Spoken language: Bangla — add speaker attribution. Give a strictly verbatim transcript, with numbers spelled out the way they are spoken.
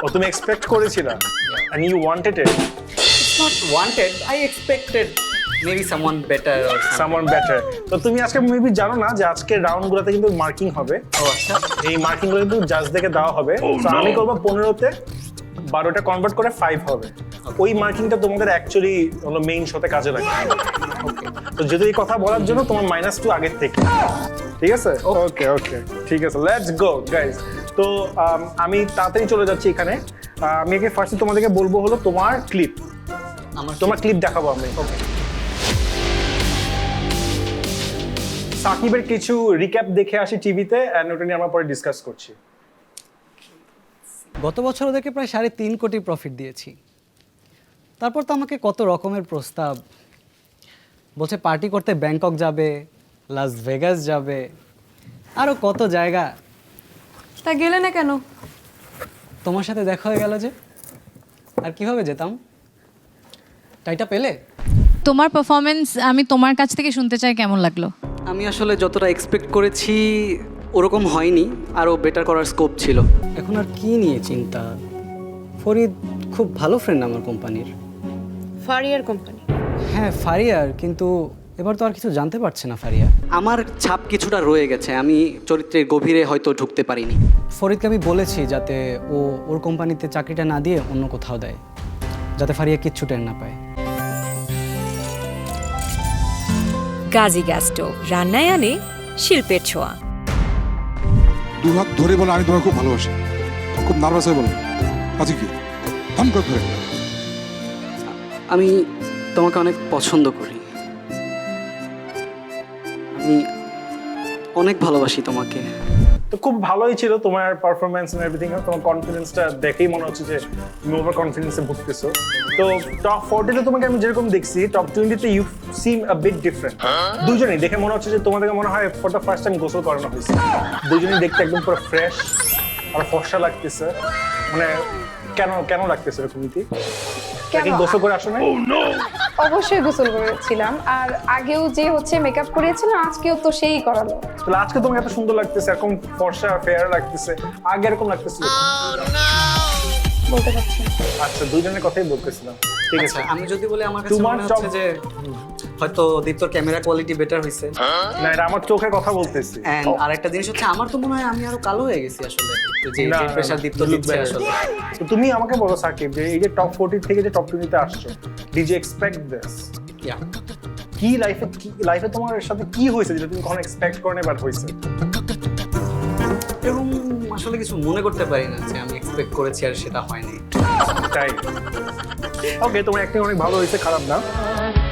Speaker 1: ও তুমি এক্সপেক্ট করেছিলা and you wanted it
Speaker 2: It's not wanted. I expected maybe someone better or something.
Speaker 1: someone better তো তুমি আজকে মেবি জানো না যে আজকে রাউন্ডগুলোতে কিন্তু মার্কিং হবে
Speaker 2: ও আচ্ছা
Speaker 1: এই মার্কিং গুলো কিন্তু জাজ দেখে দেওয়া হবে তো আমি করব পনেরোতে বারোটা কনভার্ট করে ফাইভ হবে ওই মার্কিংটা তোমাদের অ্যাকচুয়ালি হলো মেইন শোতে কাজে লাগবে তো যদি এই কথা বলার জন্য তোমার মাইনাস টু আগের থেকে ঠিক আছে ওকে ওকে ঠিক আছে লেটস গো গাইস তো um, আমি তাড়াতাড়ি চলে যাচ্ছি এখানে আহ, আমি একে ফার্স্টে তোমাদেরকে বলবো হলো তোমার ক্লিপ
Speaker 2: আমার
Speaker 1: তোমার ক্লিপ দেখাবো আমি ওকে সাকিবের কিছু রিক্যাপ দেখে আসি টিভিতে এন্ড ওটা নিয়ে আমরা পরে ডিসকাস করছি
Speaker 3: গত বছর ওদেরকে প্রায় সাড়ে তিন কোটি প্রফিট দিয়েছি তারপর তো আমাকে কত রকমের প্রস্তাব বলছে পার্টি করতে ব্যাংকক যাবে লাস ভেগাস যাবে আরও কত জায়গা
Speaker 4: তা গেলে না কেন?
Speaker 3: তোমার সাথে দেখা হয়ে গেল যে আর কিভাবে যেতাম টাইটা পেলে
Speaker 5: তোমার পারফরমেন্স আমি তোমার কাছ থেকে শুনতে চাই কেমন লাগলো?
Speaker 3: আমি আসলে যতটা এক্সপেক্ট করেছি ওরকম হয়নি আরও বেটার করার স্কোপ ছিল এখন আর কি নিয়ে চিন্তা ফরিদ খুব ভালো ফ্রেন্ড আমার কোম্পানির
Speaker 4: ফারিয়ার কোম্পানি।
Speaker 3: হ্যাঁ ফারিয়ার কিন্তু এবার তো আর কিছু জানতে পারছে না ফারিয়া আমার ছাপ কিছুটা রয়ে গেছে আমি চরিত্রের গভীরে হয়তো ঢুকতে পারিনি ফরিদকে আমি বলেছি যাতে ও ওর কোম্পানিতে চাকরিটা না দিয়ে অন্য কোথাও দেয় যাতে ফারিয়া কিচ্ছু টের না পায়
Speaker 6: গাজী গ্যাস স্টোভ রান্নায় আনে শিল্পের ছোঁয়া।
Speaker 7: দু হাত ধরে বলে আমি তোমাকে খুব ভালোবাসি খুব নার্ভাস হয়ে বলো আজকে কি থাম করে ধরে
Speaker 3: আমি তোমাকে অনেক পছন্দ করি আমি অনেক ভালোবাসি তোমাকে
Speaker 1: তো খুব ভালোই ছিল তোমার পারফরমেন্স এন্ড এভরিথিং তোমার কনফিডেন্সটা দেখেই মনে হচ্ছে যে তুমি ওভার কনফিডেন্সে ভুগতেছো তো টপ ফোরটিতে তোমাকে আমি যেরকম দেখছি টপ টোয়েন্টিতে you seem a bit different দুজনেই দেখে মনে হচ্ছে যে তোমাদেরকে মনে হয় ফর দ্য ফার্স্ট টাইম গোসল করানো হয়েছে দুজনেই দেখতে একদম পুরো ফ্রেশ আর ফর্সা লাগতেছে মানে কেন কেন লাগতেছে এরকম নীতি কি গোসল করে আসো না
Speaker 4: অবশ্যই গোসল করেছিলাম আর আগেও যে হচ্ছে মেকআপ করিয়েছিলাম আজকেও তো সেই করালো।
Speaker 1: তাহলে আজকে তোমাকে এত সুন্দর লাগতেছে এরকম ফর্সা ফেয়ার লাগতেছে আগে এরকম লাগতেছিল
Speaker 4: বলতে পারছি না।
Speaker 1: আচ্ছা দুইজনের কথাই বলতেছিলাম ঠিক আছে
Speaker 3: আচ্ছা আমি যদি বলি আমার কাছে
Speaker 1: তোমার
Speaker 3: মনে হচ্ছে
Speaker 1: চপ-
Speaker 3: যে হয়তো দীপ্তর ক্যামেরা কোয়ালিটি বেটার হয়েছে
Speaker 1: না এটা আমার চোখের কথা বলতেছি
Speaker 3: এন্ড আরেকটা জিনিস হচ্ছে আমার তো মনে হয় আমি আরো কালো হয়ে গেছি আসলে তো যে
Speaker 1: না,
Speaker 3: যে
Speaker 1: না,
Speaker 3: প্রেসার
Speaker 1: না,
Speaker 3: দীপ্ত
Speaker 1: you look
Speaker 3: দিচ্ছে
Speaker 1: better.
Speaker 3: আসলে
Speaker 1: তো তুমি আমাকে বলো সাকিব যে এই যে টপ ফোরটি থেকে যে টপ টোয়েন্টিতে আসছো did you expect this
Speaker 3: yeah
Speaker 1: কি লাইফে কি লাইফে তোমার সাথে কি হয়েছে যেটা তুমি কখনো এক্সপেক্ট করো না বাট হয়েছে
Speaker 3: এরকম আসলে কিছু মনে করতে পারি না যে আমি এক্সপেক্ট করেছি আর সেটা হয়নি
Speaker 1: তাই ওকে তোমার অ্যাক্টিং অনেক ভালো হয়েছে খারাপ না